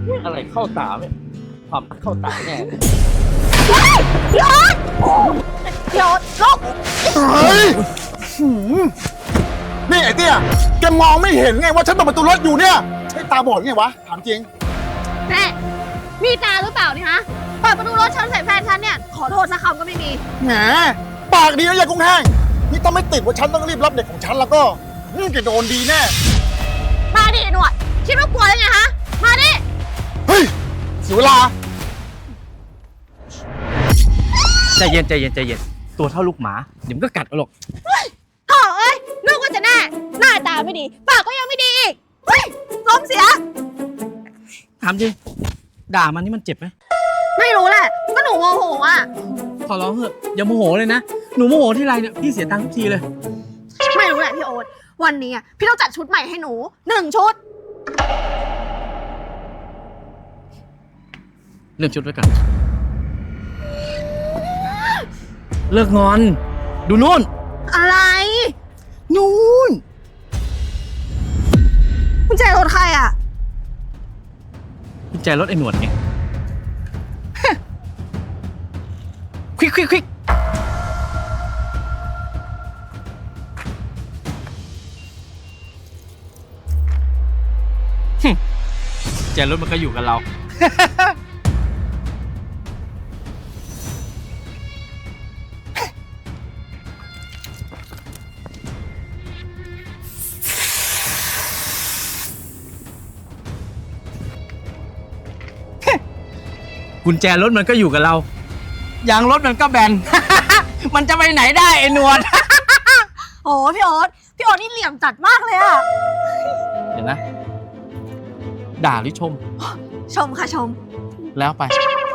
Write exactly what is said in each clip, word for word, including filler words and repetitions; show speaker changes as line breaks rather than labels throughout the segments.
อะไรเข้าตาเนี่ยความเข้าตาแน่
พี่โอ๊ตพี่โอ๊ตลูก
เฮ้ยนี่ไอ้เตี้ยแกมองไม่เห็นไงว่าฉันเปิดประตูรถอยู่เนี่ยใช่ตาบอดไงวะถามจริง
แม่มีตาหรือเปล่านี่ฮะเปิดประตูรถฉันใส่แฟนฉันเนี่ยขอโทษสักคำก็ไม่มี
แหมปากดีนะยายกุ้งแห้งนี่ต้องไม่ติดว่าฉันต้องรีบรับเด็กของฉันแล้วก็นี่จะโดนดีแน่
มาดิหนวดคิดว่ากลัวยังไงฮะมาดิ
เฮ้ยเสียเวลา
ใจเย็นใจเย็นใจเย็นตัวเท่าลูกหมาเดี๋ยวมันก็กัดเอาหรอก
โถ่เอ้ยนึกว่าจะแน่หน้าตาไม่ดีปากก็ยังไม่ดีอีกเฮ้ยลมเสีย
ถามจริงด่ามันนี่มันเจ็บไหม
ไม่รู้แหละก็หนูโมโหอ่ะ
ขอร้องเถอะอย่าโมโหเลยนะหนูโมโหที่ไรเนี่ยพี่เสียตังค์ทุกทีเลย
ไม่รู้แหละพี่โอ๊ตวันนี้อ่ะพี่ต้องจัดชุดใหม่ให้หนูหนึ่งชุด
เลือกชุดไว้ก่อนเลิกงอนดูนู่น
อะไร
นู่น
กุญแจรถใครอ่ะ
กุญแจรถไอ้หนวดไงควิกควิกควิกกุญแจรถมันก็อยู่กับเรากุญแจรถมันก็อยู่กับเรายางรถมันก็แบน มันจะไปไหนได้ไอ้หนวด
โอ้พี่โอ๊ตพี่โอ๊ตนี่เหลี่ยมจัดมากเลยอะ
เดี๋ยวนะด่าหรือชม
ชมค่ะชม
แล้วไป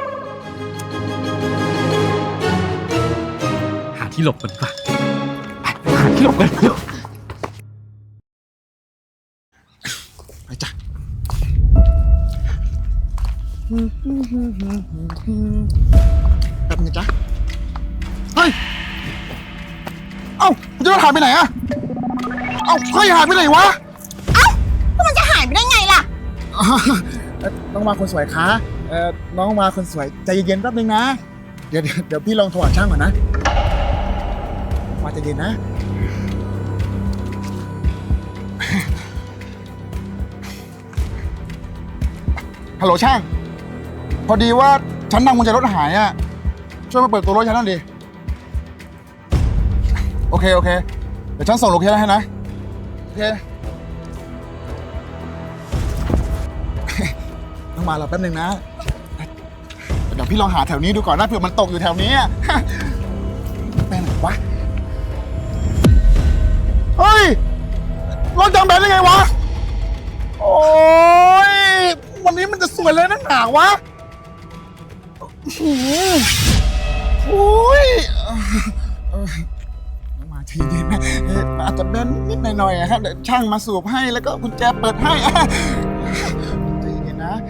หาที่หลบกันดีกว่าไปหาที่หลบกันเร็ว
ไปจ้ะแบบนี้จ้ะเฮ้ยเอ้าคุณจะหายไปไหนอะเอ้าเฮ้ยหายไปไหนวะ
เอ้าแล้วมันจะหายไปได้ไงล่ะ
น้องมาคนสวยคะเอ่อน้องมาคนสวยใจเย็นๆแป๊บนึงนะเดี๋ยวเดี๋ยวพี่ลองโทรหาช่างก่อนนะมาใจเย็นนะฮัลโหลช่างพอดีว่าฉันนั่งกุญแจรถหายอ่ะช่วยมาเปิดตัวรถฉันหน่อยดิโอเคโอเคเดี๋ยวฉันส่งโลเคชั่นให้นะโอเคต้องมาเราแป๊บนึงนะเดี๋ยวพี่ลองหาแถวนี้ดูก่อนนะเผื่อมันตกอยู่แถวนี้แป้งไหนวะเฮ้ยรถจำแบนได้ไงวะโอ้ยวันนี้มันจะสวยเลยนักหนาวะโอ้ยมาทีเดียวนะอาจจะแบนนิดหน่อยๆอะครับเดี๋ยวช่างมาสูบให้แล้วก็กุญแจเปิดให้ใจเย็นนะ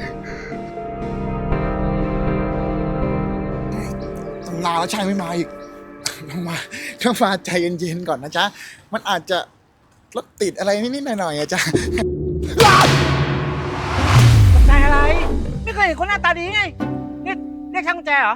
ตั้งนานแล้วช่างไม่มาอีกต้องมาต้องมาใจเย็นๆก่อนนะจ๊ะมันอาจจะรถติดอะไรนิดๆหน่อยๆอะจ๊ะ
ใจอะไรไม่เคยเห็นคนหน้าตาดีไงนี่เรียกช่างกุญแจเหรอ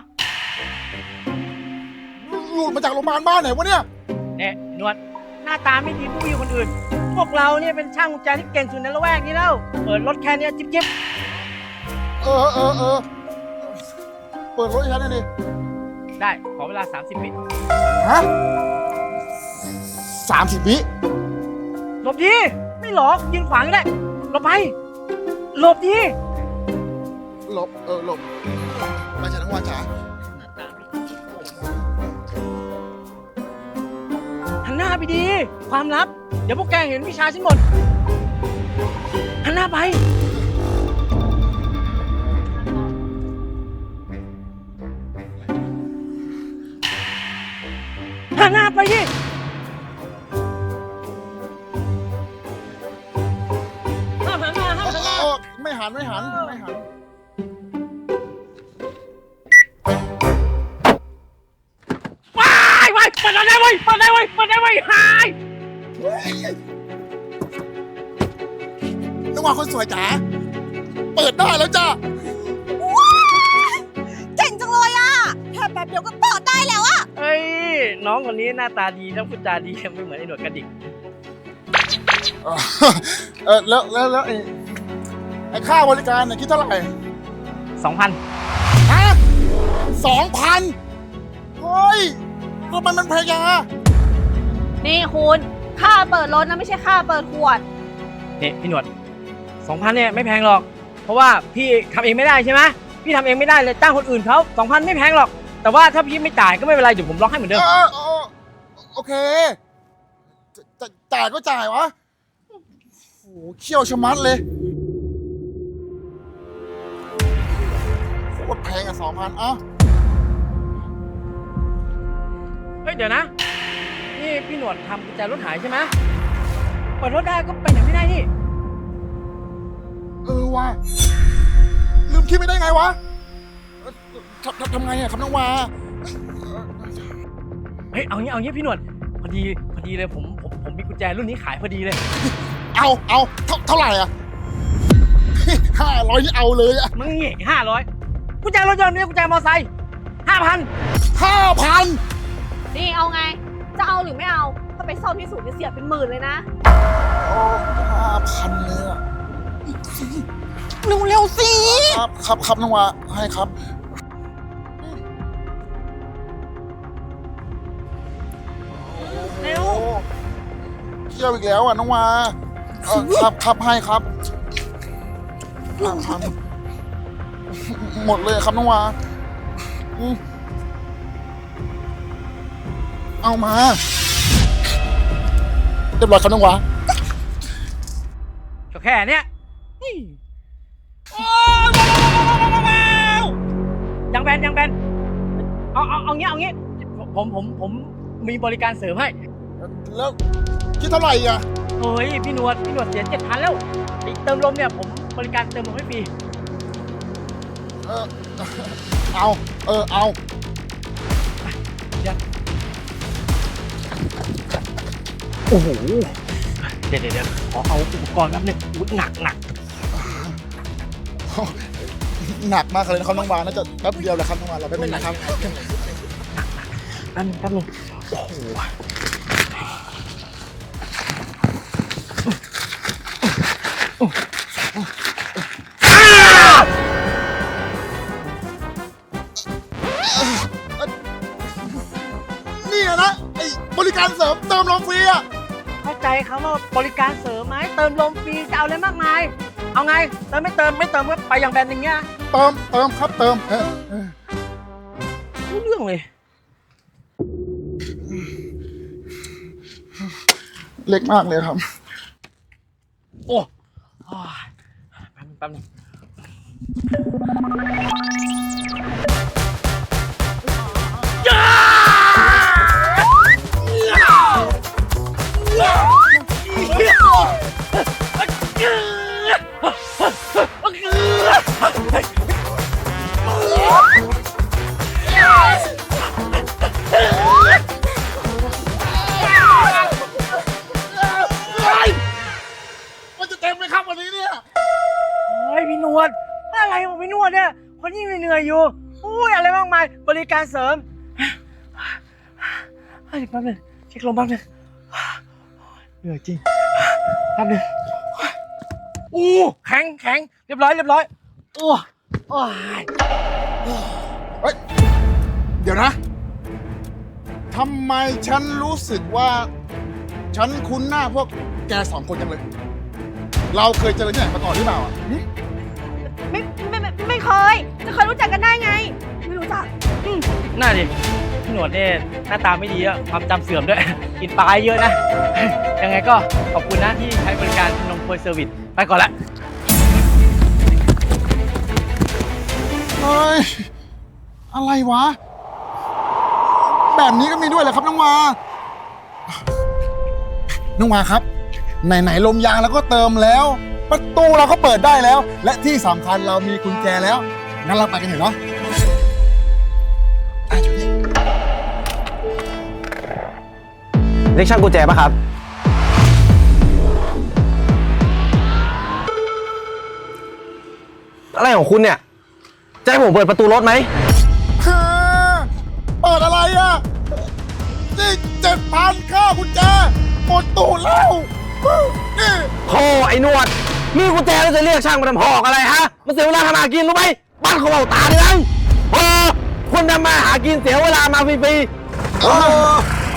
หลุดมาจากโรงพยาบาลบ้านไหนวะเนี่ย
เนี่ยนวดหน้าตาไม่ดีผู้อยู่คนอื่นพวกเราเนี่ยเป็นช่างกุญแจที่เก่งสุดในละแวกนี้แล้วเปิดรถแค่นี้จิ๊บจิ๊บ
เออเออเออเปิดรถให้ฉันหน่อยดิ
ได้ขอเวลาสามสิบวิ
ฮะสามสิบวิ
หลบดีไม่หลอกยืนขวางก็ได้หลบไปหลบดี
หลบเออหลบมาจากทั้งวันจ๋า
หันหน้าไปดีความลับเดี๋ยวพวกแกเห็นวิชาฉันหมดหันหน้าไปหันหน้าไปดิห้ามหันหน้าห้ามหันหน้า
ไม่หันไม่หันไม่หัน
ว้ายว้ายเปิดได้เว้ยเปิดได้เว้ยเปิดได้เว้ยหาย
ต้องมาคนสวยจ๋าเปิดได้แล้วจ้า
เจ๋งจังเลยอะแค่แป๊บเดียวก็เปิดได้แล้วอะ
เอ้ยน้องคนนี้หน้าตาดีแล้วพูดจาดีไม่เหมือนไอ้หนวดกระดิก
เออแล้วแล้วแล้วไอ้ไอ้ค่าบริการเนี่ยคิดเท่าไหร่
สองพัน
ฮะสองพันเฮ้ยทำไมมันแพงจังอะ
นี่คุณค่าเปิดรถนะไม่ใช่ค่าเปิดขวด
นี่พี่หนวดสองพันเนี่ยไม่แพงหรอก เพราะว่าพี่ทำเองไม่ได้ใช่ไหมพี่ทำเองไม่ได้เลยจ้างคนอื่นเขาสองพันไม่แพงหรอก แต่ว่าถ้าพี่ไม่จ่ายก็ไม่เป็นไรเดี๋ยวผมล็อกให้เหมือนเดิม
เออเออโอเคจะจะจ่ายก็จ่ายวะโอ้โหเขี้ยวชะมัดเลยโคตรแพงอะสองพันเอ้า
เฮ้ยเดี๋ยวนะ นี่พี่หนวดทำกุญแจรถหายใช่ไหมเปิดรถได้ก็ไปไหนไม่ได้นี่
เออว่ะลืมคิดไม่ได้ไงวะเอ่อทำทำทำไงอะครับน้องวา
เฮ้ยเอางี้เอางี้พี่หนวดพอดีพอดีเลยผมผมผมมีกุญแจรุ่นนี้ขายพอดีเลย
เอาเอาเท่าเท่าไหร่อะ ห้าร้อยนี่เอาเลยอะ
มึงเงี้ยห้าร้อยกุญแจรถยนต์เนี่ยกุญแจมอเตอร์ไซค์ห้าพัน
ห้าพัน
นี่เอาไง จะเอาหรือไม่เอา ถ้าไปซ่อมที่ศูนย์จะเสียเป็นหมื่นเลยนะ
ห้าพันเลยอะ
เร็วๆสิ
ครับครับครับน้องวาให้ครับ
เร็ว
โอ้เที่ยวอีกแล้วอ่ะน้องวาเออครับครับให้ครับห้าพันหมดเลยครับน้องวาอืมเอามาเรียบร้อยครับน้องวา
ก็แค่เนี้ยนี่โอ้ยยังแบนยังแบนเอาเอาเอางี้เอางี้ผมผมผมมีบริการเสริมให้
แล้วคิดเท่าไหร่อ่ะ
เฮ้ยพี่หนวดพี่หนวดเสียเจ็ดพันแล้วไอ้เติมลมเนี่ยผมบริการเติมลมให้ฟรี
เออเอา เออ เอา
เดี๋ยวโอ้โหเดี๋ยวเดี๋ยวเดี๋ยวขอเอาอุปกรณ์แป๊บนึงอุ๊ยหนักหนัก
หนักมากเลยนะครับน้องวาน่าจะแป๊บเดียวแหละครับน้องวาเราไม่เป็นนะครับ
แป๊บนึงแป๊บนึงโอ้โห
นี่อะนะไอ้บริการเสริมเติมลมฟรีอ่ะ
เข้าใจครับว่าบริการเสริมไหมเติมลมฟรีจะเอาอะไรมากมายเอาไงเติมไม่เติมไม่เติมก็ไปอย่างแบรนด์อย่างเงี้ย
เติมเติมครับเติมเออเออ
รู้เรื่องเลย
เล็กมากเลยครับ
โอ้โอ้ยแป๊บนึงแป๊บนึงย่า
มันจะเต็มไหมครับวันนี้เนี่ย
เฮ้ยพี่หนวดอะไรของพี่หนวดเนี่ยคนยิ่งเหนื่อยอยู่อุ้ยอะไรมากมายบริการเสริมเฮ้ยแป๊บนึงเช็คลมแป๊บนึงเหนื่อยจริงแป๊บนึงอู้แข็งแข็งเรียบร้อยเรียบร้อยโอ้โอ้ย
เฮ้ย เดี๋ยวนะทำไมฉันรู้สึกว่า ฉันคุ้นหน้าพวกแกสองคนจังเลย เราเคยเจอที่ไหนมาก่อนหรือเปล่าอ่ะหึ
ไม่ไม่ไม่ไม่เคย จะเคยรู้จักกันได้ไง ไม่รู้จัก
น่าดิพี่หนวดเนี่ยหน้าตาไม่ดีอะความจำเสื่อมด้วย กินปลาเยอะนะ ยังไงก็ขอบคุณนะที่ใช้บริการนมโพยเซอร์วิสไปก่อนละ
เฮ้ย อะไรวะ แบบนี้ก็มีด้วยเหรอครับน้องวา น้องวาครับ ไหนๆลมยางเราก็เติมแล้ว ประตูเราก็เปิดได้แล้ว และที่สำคัญเรามีกุญแจแล้ว งั้นเราไปกันเถอะเนาะอ่ะอยู่นี่
เรียกช่างกุญแจป่ะครับ
ฮ
อะไรของคุณเนี่ย จะให้ผมเปิดประตูรถไหม
ฮะเปิดอะไรอ่ะ นี่เจ็ดพันค่ากุญแจหมดตู้แล้วนี่
โธ่ไอ้หนวด มีกุญแจแล้วจะเรียกช่างมาทำหอกอะไรฮะ มันเสียเวลาทำมาหากินรู้ไหมบ้านเขาเบาตาเลยนะพอคุณทำมาหากินเสียเวลามาฟรีๆเออ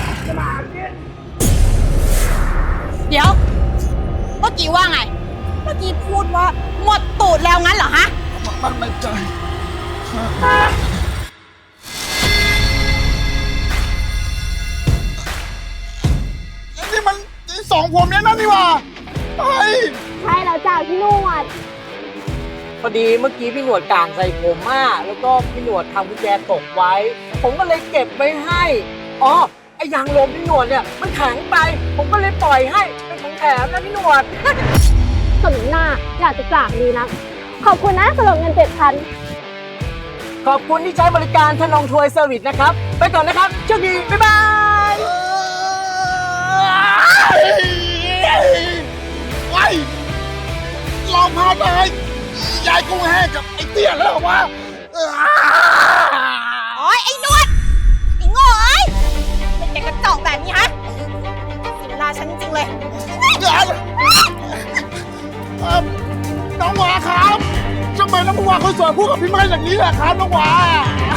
เดี๋ยว เมื่อกี้ว่าไง เมื่อกี้พูดว่าหมดตูดแล้วงั้นเหรอฮะ
มันไม่ใจนี่มันสองผมเนี่ยนั่นนี่หว่าเฮ้ย
ใช่แล้วจ้าพี่นวด
พอดีเมื่อกี้พี่หนวดกลางใส่ผมมากแล้วก็พี่หนวดทำกุญแจตกไว้ ผมก็เลยเก็บไว้ให้อ๋อไอ้ยางลมพี่หนวดเนี่ยมันแข็งไป ผมก็เลยปล่อยให้เป็นของแถมนะพี่หนวด
สมหน้าอยากจะจากดีนะ ขอบคุณนะสำหรับเงินเจ็ดพัน
ขอบคุณที่ใช้บริการทนงทวยเซอร์วิสนะครับ ไปก่อนนะครับโชคดี บ๊ายบาย
ไอ้ลองพาตายยายกุ้งแห้งกับไอ้เตี้ยแล้ววะ
โอ๊ย ไอ้นวด ไอ้โง่เอ้ยเป็นแกกระจอกแบบนี้ฮะเสียเวลาฉันจริงๆเลย
เดี๋ยวเอ่อน้องหวาครับทำไมน้องหวาคนสวยพูดกับพี่ไม้อย่างนี้แหละครับน้องหวา